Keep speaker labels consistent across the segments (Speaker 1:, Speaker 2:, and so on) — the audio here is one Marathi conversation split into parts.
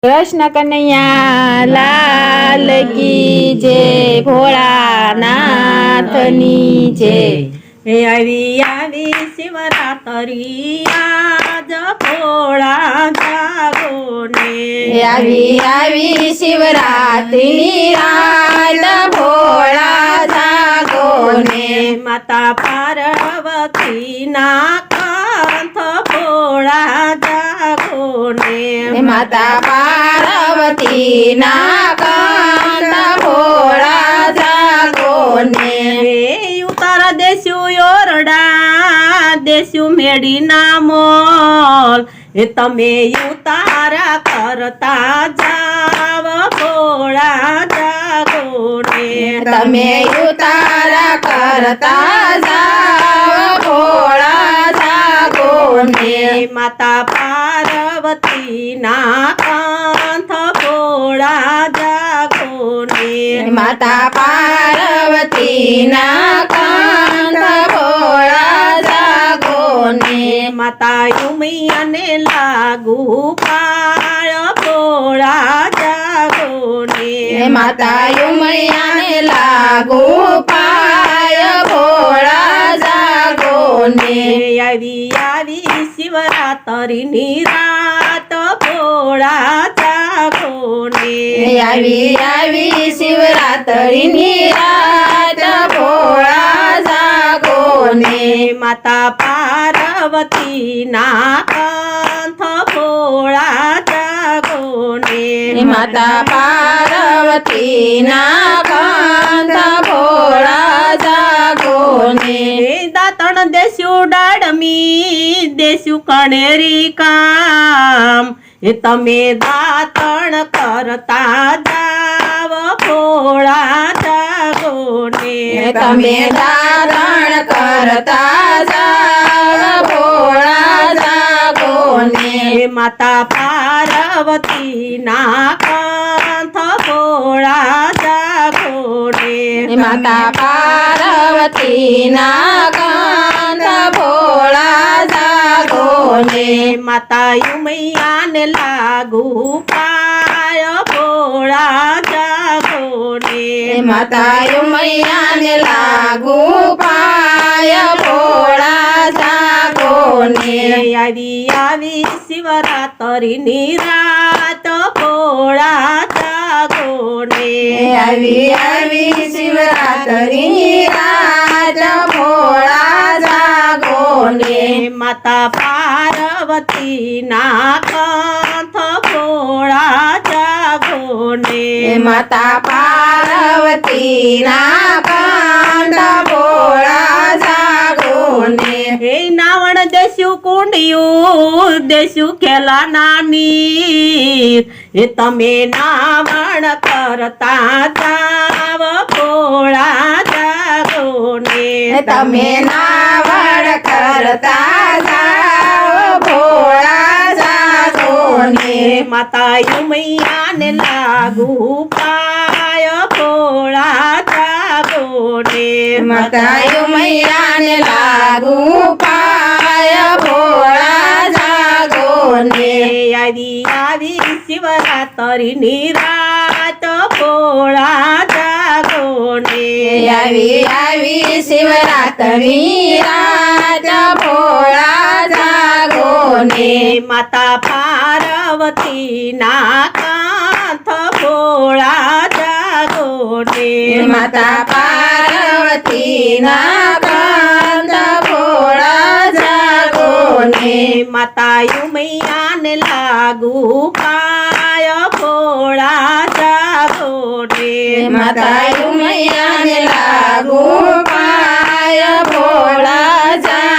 Speaker 1: कृष्ण कन्हैया लाल की जय, भोळानाथनी जय।
Speaker 2: हे आवी आवी शिवरात्री आज भोळा जागोने,
Speaker 1: आवी आवी शिवरात्री आज भोळा जागोने।
Speaker 2: माता पार्वती ना कांत भोळा जागोने,
Speaker 1: माता पार्वती ना कांत भोळा जागोने।
Speaker 2: हे उतारा देशू योरडा देशू मेडी ना मोल, हे तमे उतारा करता जाव भोळा जागोने,
Speaker 1: तमे उतारा करता जाव भोळा जागोने।
Speaker 2: माता पार्वती ना कांत भोळा जागोने,
Speaker 1: माता पार्वती ना कांत भोळा जागोने।
Speaker 2: माता उमैयाने लागू पाळ भोळा जागोने,
Speaker 1: माता उमैयाने लागू पाय भोळा जागोने।
Speaker 2: यावी यावी शिवरात्री निरात भोळा जागोने,
Speaker 1: यावी यावी शिवरात्री निरात भोळा जागोने।
Speaker 2: माता पार्वती ना कांत भोळा जागोने,
Speaker 1: माता पार्वती ना कांत भोळा जागोने।
Speaker 2: दातण देशू डाडमी देशू कणेरी काम, हे तमे दातण करता जाव भोळा जागोने,
Speaker 1: तमे दातण करता जाव भोळा जागोने।
Speaker 2: माता पार्वती ना कांत भोळा जागोने,
Speaker 1: माता पार्वती ना कांत भोळा जागोने।
Speaker 2: माता उमैयाने लागू पाय भोळा जागोने,
Speaker 1: माता उमैयाने लागू पाय भोळा जागोने।
Speaker 2: यावी यावी शिवरात्री निरात भोळा जागोने,
Speaker 1: यावी यावी शिवरात्री निरात भोळा जागोने।
Speaker 2: माता पार्वती ना कांत भोळा जागोने,
Speaker 1: माता पार्वती ना कांत भोळा जागोने।
Speaker 2: हे नावण देशू कुंडियू देशू केला नानी, हे तमे नावण करता जाव भोळा जागोने,
Speaker 1: तमे नावड करता जाव भोळा जागोने।
Speaker 2: माता उमैयाने लागू पाय भोळा जागोने,
Speaker 1: माता उमैयाने लागू पाय भोळा जागोने।
Speaker 2: यावी यावी शिवरात्री निरात भोळा जागोने,
Speaker 1: यावी यावी शिवरात्री रात भोळा जागोने।
Speaker 2: माता पार्वती ना कांत भोळा जागोने,
Speaker 1: माता पार्वती ना कांत भोळा जागोने।
Speaker 2: माता उमैयाने लागू पाय भोळा जागोने,
Speaker 1: माता उमैयाने लागू पाय भोळा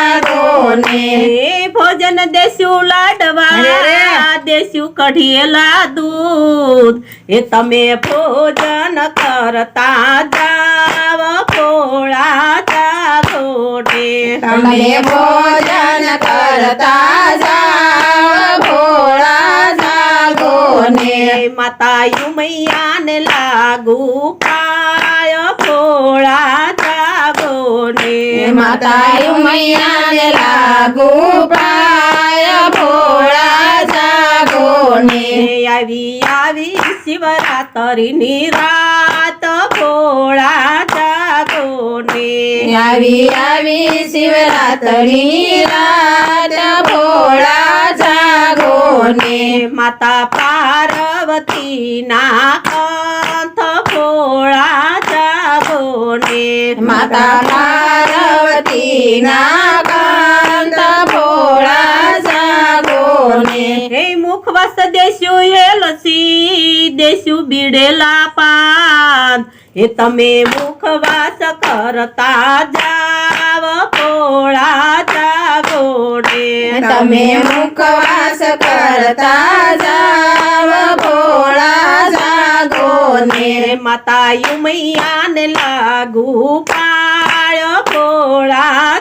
Speaker 1: जागोने।
Speaker 2: भोजन देशू लाडवा देशू कढियेला दूध, हे तमे भोजन करता जाव भोळा जागोने,
Speaker 1: तमे भोजन करता जाव भोळा जागोने।
Speaker 2: माता उमैयाने लागू पाय भोळा जागोने,
Speaker 1: माता उमैयाने लागू पाय भोळा जागोने। जागो ने
Speaker 2: यावी यावी शिवरात्रीनी रात भोळा जागो ने
Speaker 1: यावी यावी शिवरात्री रात भोळा जागो ने
Speaker 2: माता पार्वती ना कंठ भोळा जागो ने
Speaker 1: माता पार्वती ना कांत भोळा जागो ने
Speaker 2: हे मुखवास देशू येलसी देशू बिडेला पान हे तमे मुखवास करता जाव भोळा जागो ने
Speaker 1: તમે મુખવાસ કરતા જાવ ભોળા જાગો ને
Speaker 2: माता युमैयान लागू पाळ भोळा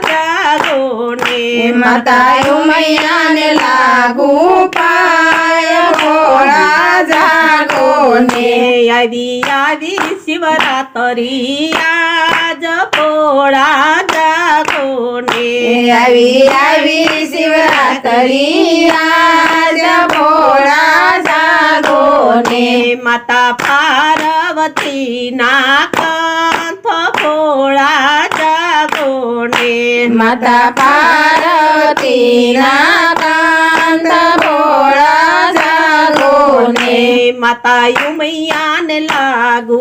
Speaker 2: जागो ने
Speaker 1: માતા ઉમૈયાને લાગુ પાય ભોળા જાગો ને
Speaker 2: यावी यावी शिवरात्री आज भोळा जागो ने
Speaker 1: આવી આવી શિવરાત્રી આજ ભોળા જાગો ને
Speaker 2: माता पार्वती ना कंठ भोळा जागो ने
Speaker 1: માતા પાર્વતી ના કાંત ભોળા જાગો ને
Speaker 2: माता युमैयान लागू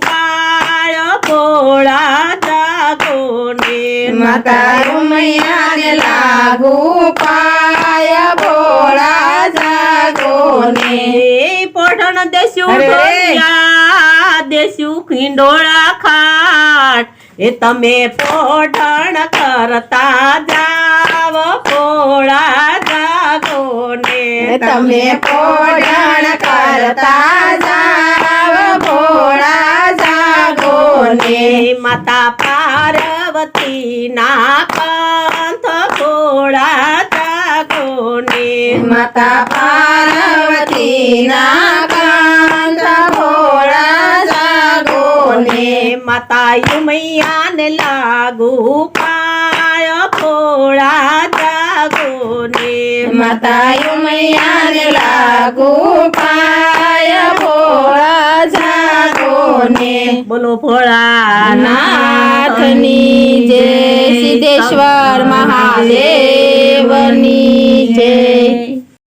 Speaker 2: पाळ भोळा जागो ने
Speaker 1: માતા ઉમૈયાને લાગુ પાય ભોળા જાગો ને
Speaker 2: पोढण देशू
Speaker 1: अरे.
Speaker 2: ढोलिया देशू खिंडोळा खाट हे तमे पोढण करता जाव भोळा जागो ने
Speaker 1: તમે પોઢણ કરતા જાવ ભોળા જાગો ને
Speaker 2: माता पार्वती ना कंठ भोळा जागो ने
Speaker 1: માતા પાર્વતી ના કાંત ભોળા જાગો ને
Speaker 2: माता युमैयान लागू पाळ भोळा जागो ने
Speaker 1: માતા ઉમૈયાને લાગુ પાય ભોળા જાગો ને
Speaker 2: बोलो भोळा
Speaker 1: નાથની જય સિદ્ધેશ્વર મહાદેવની જય